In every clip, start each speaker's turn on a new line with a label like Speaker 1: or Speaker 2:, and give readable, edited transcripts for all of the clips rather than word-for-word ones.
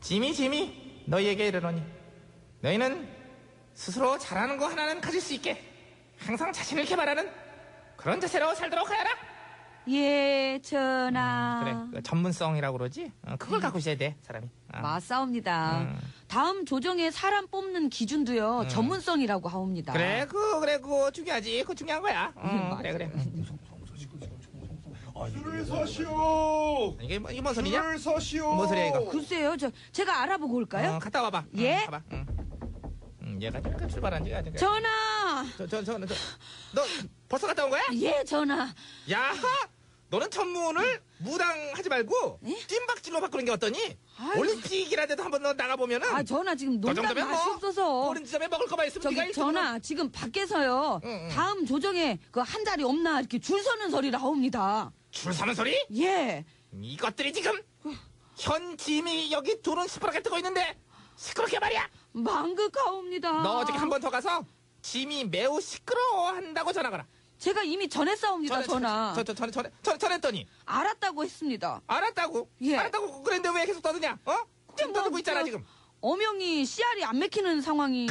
Speaker 1: 짐이 너희에게 이르노니 너희는 스스로 잘하는 거 하나는 가질 수 있게 항상 자신을 개발하는 그런 자세로 살도록 하여라.
Speaker 2: 예, 전하.
Speaker 1: 그래, 그 전문성이라고 그러지? 그걸 갖고 있어야 돼, 사람이.
Speaker 2: 맞사옵니다. 다음 조정에 사람 뽑는 기준도요, 전문성이라고 하옵니다.
Speaker 1: 그래, 그거 중요하지. 그거 중요한 거야. 그래.
Speaker 3: 줄을 서시오.
Speaker 1: 이게 뭔 소리냐?
Speaker 3: 줄을 서시오.
Speaker 1: 뭔 소리야, 이거?
Speaker 2: 글쎄요, 제가 알아보고 올까요?
Speaker 1: 갔다 와봐.
Speaker 2: 예?
Speaker 1: 가봐. 얘가 잠깐 출발한 지가 아직.
Speaker 2: 전하!
Speaker 1: 너 벌써 갔다 온 거야?
Speaker 2: 예, 전하.
Speaker 1: 야, 너는 전문을 무당하지 말고 찐박질로 바꾸는 게 어떠니?
Speaker 2: 아이고.
Speaker 1: 올림픽이라도 한번 너 나가보면은.
Speaker 2: 전하, 지금 농담
Speaker 1: 정도면
Speaker 2: 맛이 없어서.
Speaker 1: 어린 지점에 먹을 거만 있으면 네가
Speaker 2: 전하, 지금 밖에서요, 다음 조정에 그 한 자리 없나 이렇게 줄 서는 소리를 하옵니다.
Speaker 1: 줄 서는 소리?
Speaker 2: 예.
Speaker 1: 이것들이 지금 현 짐이 여기 둘은 시퍼렇게 뜨고 있는데 시끄럽게 말이야.
Speaker 2: 망극하옵니다.
Speaker 1: 너 어저께 한 번 더 가서 짐이 매우 시끄러워한다고 전화가라.
Speaker 2: 제가 이미 전했사옵니다, 전하.
Speaker 1: 전했더니
Speaker 2: 알았다고 했습니다.
Speaker 1: 알았다고?
Speaker 2: 예.
Speaker 1: 알았다고 그랬는데 왜 계속 떠드냐? 지금 떠들고 있잖아 지금.
Speaker 2: 어명이 씨알이 안 맥히는 상황이.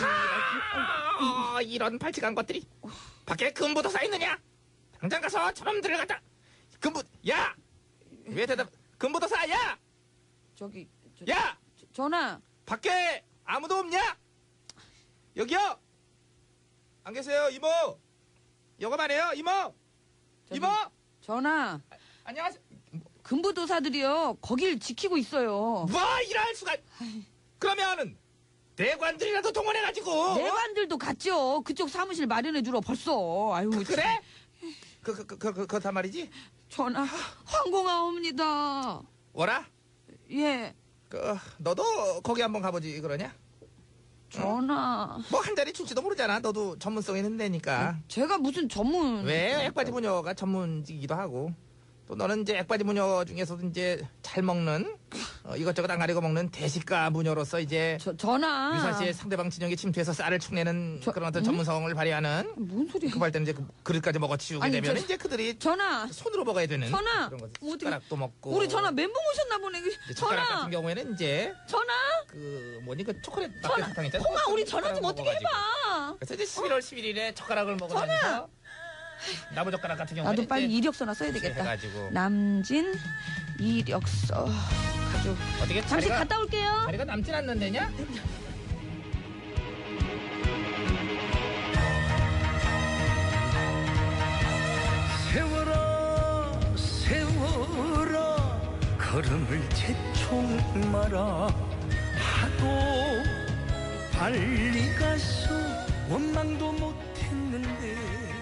Speaker 1: 이런 발칙한 것들이. 밖에 금부도사 있느냐? 당장 가서 저놈들을 갖다. 야! 왜 대답? 금부도사, 야! 야!
Speaker 2: 전하.
Speaker 1: 밖에 아무도 없냐? 여기요? 안 계세요, 이모? 여가만해요, 이모? 이모?
Speaker 2: 전하.
Speaker 1: 안녕하세요.
Speaker 2: 금부도사들이요, 거길 지키고 있어요.
Speaker 1: 뭐, 이럴 수가. 그러면은, 내관들이라도 동원해가지고.
Speaker 2: 내관들도 갔죠. 그쪽 사무실 마련해주러 벌써. 아유.
Speaker 1: 그래? 그렇단 말이지?
Speaker 2: 전하, 황공하옵니다.
Speaker 1: 뭐라?
Speaker 2: 예.
Speaker 1: 너도 거기 한번 가보지, 그러냐?
Speaker 2: 전하.
Speaker 1: 뭐 한 자리 줄지도 모르잖아. 너도 전문성 있는 데니까.
Speaker 2: 제가 무슨 전문.
Speaker 1: 왜? 액바지 무녀가 전문직이기도 하고. 또 너는 이제 액바지 무녀 중에서도 이제 잘 먹는, 이것저것 안 가리고 먹는 대식가 무녀로서 이제.
Speaker 2: 전하.
Speaker 1: 유사시에 상대방 진영에 침투해서 쌀을 축내는 그런 어떤 전문성을 발휘하는.
Speaker 2: 뭔 소리야?
Speaker 1: 급할 때는 이제 그릇까지 먹어치우게 되면 이제 그들이.
Speaker 2: 전하.
Speaker 1: 손으로 먹어야 되는.
Speaker 2: 전하.
Speaker 1: 그런 거. 숟가락도 먹고.
Speaker 2: 우리 전하 멘붕 오셨나 보네.
Speaker 1: 젓가락
Speaker 2: 전하.
Speaker 1: 같은 경우에는 이제.
Speaker 2: 전하.
Speaker 1: 그 초콜릿 낙배 사탕 있잖아.
Speaker 2: 홍아, 우리 전화 좀 어떻게 해봐.
Speaker 1: 그래서 이제 11월 11일에 젓가락을 먹으면서 나무 젓가락 같은 경우는
Speaker 2: 나도 빨리 이력서나 써야 되겠다.
Speaker 1: 해가지고.
Speaker 2: 남진 이력서 가지고.
Speaker 1: 어떻게
Speaker 2: 잠시 갔다 올게요.
Speaker 1: 자리가 남진 않는데냐?
Speaker 4: 세워라 세워라 걸음을 재촉 마라 하도 빨리 가서 원망도 못했는데